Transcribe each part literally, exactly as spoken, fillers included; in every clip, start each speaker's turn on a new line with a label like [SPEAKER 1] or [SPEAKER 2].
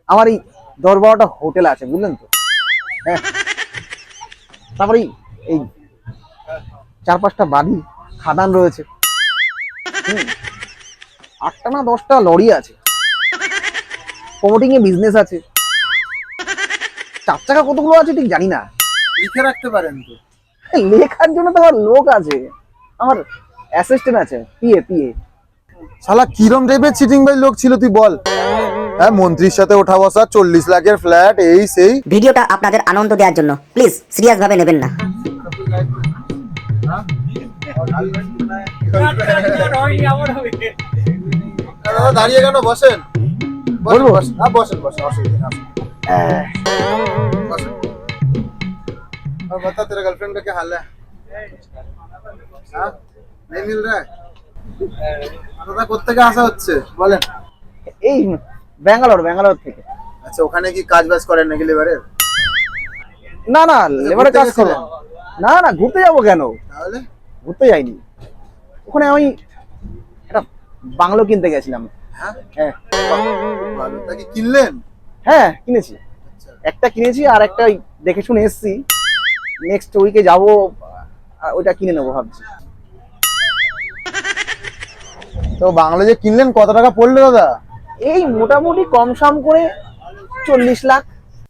[SPEAKER 1] আমার এই দশ বারোটা হোটেল আছে বুঝলেন তো। হ্যাঁ, তারপরে এই চার পাঁচটা বাড়ি খাদান রয়েছে, হুম, আটটা না দশটা লরি আছে, প্রমোটিং এ বিজনেস আছে, চার চাকা কতগুলো আছে ঠিক জানি না।
[SPEAKER 2] লিখে রাখতে পারেন তো।
[SPEAKER 1] লেখার জন্য তো আমার লোক আছে, আমার অ্যাসিস্ট্যান্ট আছে, পিএ পিএ।
[SPEAKER 2] শালা কিরম টাইপের চিটিং ভাই লোক ছিল তুই বল। হ্যাঁ, মন্ত্রীর সাথে ওঠা বসা, চল্লিশ লাখের ফ্ল্যাট, এই সেই।
[SPEAKER 3] ভিডিওটা আপনাদের আনন্দ দেওয়ার জন্য প্লিজ সিরিয়াস ভাবে নেবেন না।
[SPEAKER 2] দাদা দাঁড়িয়ে কেন, বসেন বসেন
[SPEAKER 1] বলবো?
[SPEAKER 2] বসেন। হ্যাঁ বসেন বসেন, অসুবিধা নেই, बसो। और बता तेरा गर्लफ्रेंड का क्या हाल है? हाँ? नहीं मिल रहा है? দাদা কোত্থেকে আসা হচ্ছে বলেন।
[SPEAKER 1] এই ব্যাঙ্গালোর ব্যাঙ্গালোর থেকে।
[SPEAKER 2] আচ্ছা, ওখানে কি কাজ বাজ করেন নাকি লেবারের?
[SPEAKER 1] না না, লেবারের কাজ করো না। না, ঘুরতে যাবো কেন?
[SPEAKER 2] তাহলে
[SPEAKER 1] ঘুরতে যাইনি, ওখানে আমি একটা বাংলো কিনতে গেছিলাম।
[SPEAKER 2] হ্যাঁ
[SPEAKER 1] হ্যাঁ
[SPEAKER 2] ভালো, তা কি কিনলেন?
[SPEAKER 1] হ্যাঁ কিনেছি,
[SPEAKER 2] আচ্ছা,
[SPEAKER 1] একটা কিনেছি আর একটা ওই দেখে শুনে এসছি, নেক্সট উইকে যাবো, আর ওইটা কিনে নেবো ভাবছি।
[SPEAKER 2] তো বাংলা যে কিনলেন কত টাকা পড়লো দাদা?
[SPEAKER 1] এই মোটামুটি কম সম করে চল্লিশ লাখ।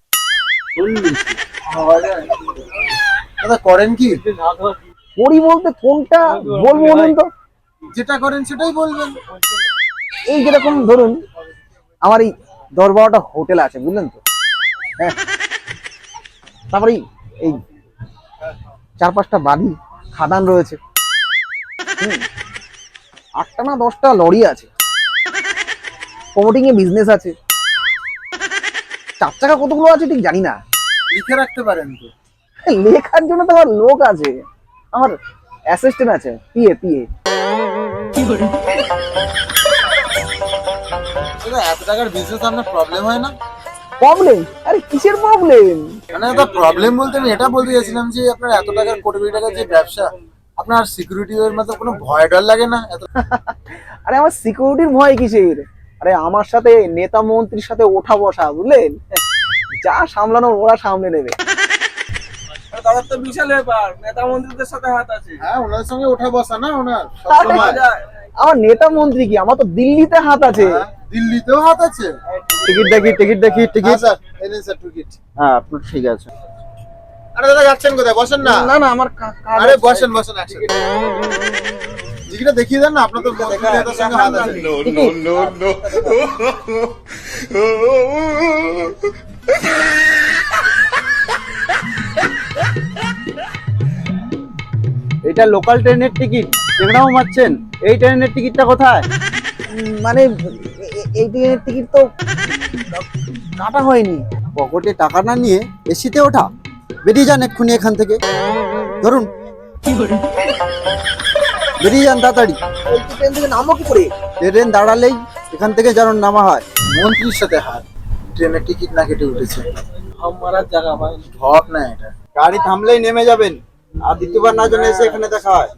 [SPEAKER 2] দাদা করেন কি?
[SPEAKER 1] করি বলতে কোনটা বলবো বলুন তো?
[SPEAKER 2] যেটা করেন সেটাই বলবেন।
[SPEAKER 1] এই যেরকম ধরুন আমার এই দশ বারোটা হোটেল আছে বুঝলেন তো। হ্যাঁ, তারপরে এই চার পাঁচটা বাড়ি খাদান রয়েছে, হুম, আটটা না দশটা লরি আছে, প্রমোটিং এ বিজনেস আছে, চার চাকা কতগুলো আছে ঠিক জানি না।
[SPEAKER 2] লিখে রাখতে পারেন তো।
[SPEAKER 1] লেখার জন্য তো আমার লোক আছে, আমার অ্যাসিস্ট্যান্ট আছে, পিএ পিএ।
[SPEAKER 2] দাদা এত টাকার বিজনেস আপনার প্রবলেম হয় না?
[SPEAKER 1] প্রবলেম? আরে কিসের প্রবলেম?
[SPEAKER 2] মানে দাদা প্রবলেম বলতে আমি এটা বলতে চাইছিলাম যে আপনার এত টাকার কোটি কোটি টাকার যে ব্যবসা, আপনার সিকিউরিটি এর মধ্যে কোনো ভয় ডর লাগে না? এত
[SPEAKER 1] আরে আমার সিকিউরিটির ভয় কিসের? আরে আমার সাথে নেতা মন্ত্রীর সাথে ওঠা বসা বুঝলেন, যা সামলানোর ওরা সামলে নেবে।
[SPEAKER 4] তাদের তো বিশাল ব্যাপার, নেতা মন্ত্রীদের সাথে হাত আছে।
[SPEAKER 2] হ্যাঁ, ওনার সঙ্গে ওঠা বসা না ওনার
[SPEAKER 1] আরে,
[SPEAKER 2] সবসময়।
[SPEAKER 1] আমার নেতা মন্ত্রী কি, আমার তো দিল্লিতে হাত আছে।
[SPEAKER 2] হ্যাঁ, দিল্লিতেও হাত আছে।
[SPEAKER 1] টিকিট দেখি টিকিট দেখি
[SPEAKER 2] হ্যাঁ
[SPEAKER 1] টিকিট।
[SPEAKER 2] স্যার, এই নিন স্যার টিকিট।
[SPEAKER 1] হ্যাঁ আপনার ঠিক আছে।
[SPEAKER 2] আরে দাদা যাচ্ছেন কোথায়? বসেন না।
[SPEAKER 1] না না আমার কা- কাজ
[SPEAKER 2] আরে
[SPEAKER 1] আছে।
[SPEAKER 2] বসেন বসেন একসাথে। টিকিটটা দেখিয়ে দেন না, আপনার তো মন্ত্রী নেতার সঙ্গে হাত আছে।
[SPEAKER 1] এটা লোকাল ট্রেনের টিকিট যেখানেও মারছেন, এই ট্রেনের টিকিটটা কোথায়? উম, মানে এ- এ- এই ট্রেনের টিকিট তো কাটা হয়নি।
[SPEAKER 5] পকেটে টাকা না নিয়ে এসিতে ওঠা, বেরিয়ে যান এক্ষুনি এখান থেকে। ধরুন, বেরিয়ে যান তাড়াতাড়ি।
[SPEAKER 1] এই ট্রেন থেকে নামবো কি করে?
[SPEAKER 5] ট্রেন দাঁড়ালেই এখান থেকে যেন নামা হয়।
[SPEAKER 2] মন্ত্রীর সাথে হাত, ট্রেনের টিকিট না কেটে উঠেছে।
[SPEAKER 4] হাম মারার জায়গা ভাই।
[SPEAKER 2] ঢপ না এটা।
[SPEAKER 5] গাড়ি থামলেই নেমে যাবেন, আর দ্বিতীয়বার না যেন এসে এখানে দেখা হয়।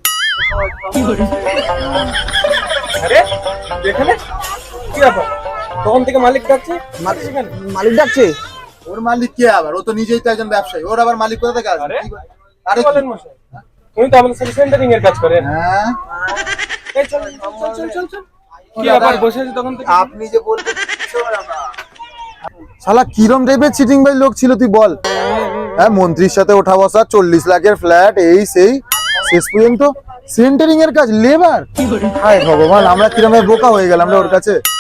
[SPEAKER 4] আরে এখানে কি ব্যাপার? তখন থেকে মালিক ডাকছে।
[SPEAKER 1] মালিক- মালিক ডাকছে।
[SPEAKER 2] ওর মালিক কে আবার? ও তো নিজেই তো একজন ব্যবসায়ী, ওর আবার মালিক কোথা থেকে আসবে?
[SPEAKER 4] আরে?
[SPEAKER 2] কি বল- আরে
[SPEAKER 4] কি বলেন মশাই? উনি তো আমাদের সাথে সেন্টারিং এর কাজ করেন।
[SPEAKER 2] হ্যাঁ,
[SPEAKER 4] এই চল চল চল চল চল। কি
[SPEAKER 2] দাদা,
[SPEAKER 4] ব্যাপার, বসে আছি তখন থেকে?
[SPEAKER 2] আপনি যে বলবেন শালা কিরম টাইপের চিটিং ভাই লোক ছিল তুই বল। হ্যাঁ, মন্ত্রীর সাথে ওঠা বসা, চল্লিশ লাখের ফ্ল্যাট, এই সেই, শেষ পর্যন্ত সেন্টারিং এর কাজ, লেবার। হায় ভগবান, আমরা কিরম ভাবে বোকা হয়ে গেলাম রে ওর কাছে।